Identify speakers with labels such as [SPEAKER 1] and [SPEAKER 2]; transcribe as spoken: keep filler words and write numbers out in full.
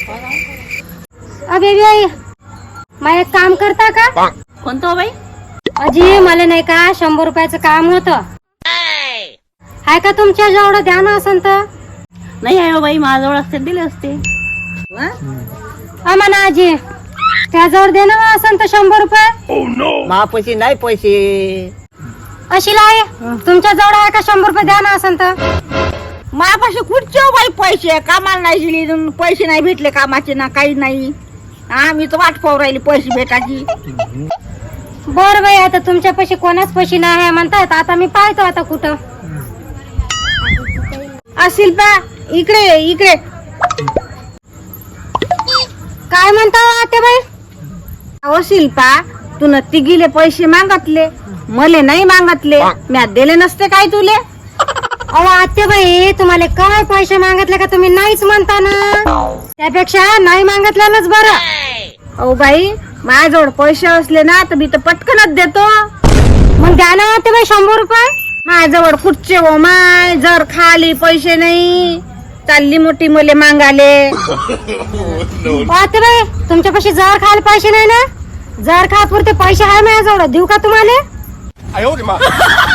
[SPEAKER 1] अबे बाई मला एक काम करता का?
[SPEAKER 2] कोणतं हो बाई?
[SPEAKER 1] अजी मला नाही का शंभर रुपयाचं काम होतं. हाय का तुमच्या जवळ द्या ना असं तर.
[SPEAKER 2] नाही आहे हो बाई, माझ्याजवळ असते दिले असते.
[SPEAKER 1] म्हणा आजी त्याजवळ दे ना असं तर शंभर रुपये.
[SPEAKER 3] महापैसे नाही पैसे.
[SPEAKER 1] अशी लाय तुमच्या जवळ आहे का शंभर रुपये द्या ना असं तर.
[SPEAKER 2] माझ्यापाशी कुठचे बाई पैसे? कामाला नाही दिली, पैसे नाही भेटले कामाचे ना काही नाही. हा मी तर वाट पाहू राहिली पैसे भेटायची.
[SPEAKER 1] बर बाई आता तुमच्या पैसे कोणाच पैसे नाही आहे म्हणतात. आता मी पाहतो आता कुठं
[SPEAKER 2] असेल पा. इकडे इकडे.
[SPEAKER 1] काय म्हणता आता बाई?
[SPEAKER 2] अहो शिल्पा, तू न तिघीले पैसे मागतले, मले नाही मागतले. म्या दिले नसते काय तुले?
[SPEAKER 1] अहो आत्याबाई तुम्हाला काय पैसे मागितले का तुम्ही नाहीच म्हणता ना. त्यापेक्षा नाही मागितल्यानंच बरं.
[SPEAKER 2] अहो बाई माझ्याजवळ पैसे असले ना तर मी तर पटकनच देतो.
[SPEAKER 1] मग द्या ना आत्याबाई शंभर रुपये.
[SPEAKER 2] माझ्याजवळ कुठचे हो माय, जर खाली पैसे नाही चालली मोठी मले मागाले.
[SPEAKER 1] आत्याबाई तुमच्यापाशी जर खायला पैसे नाही ना. जर खा पुरते पैसे आहे माझ्याजवळ, देऊ का तुम्हाला?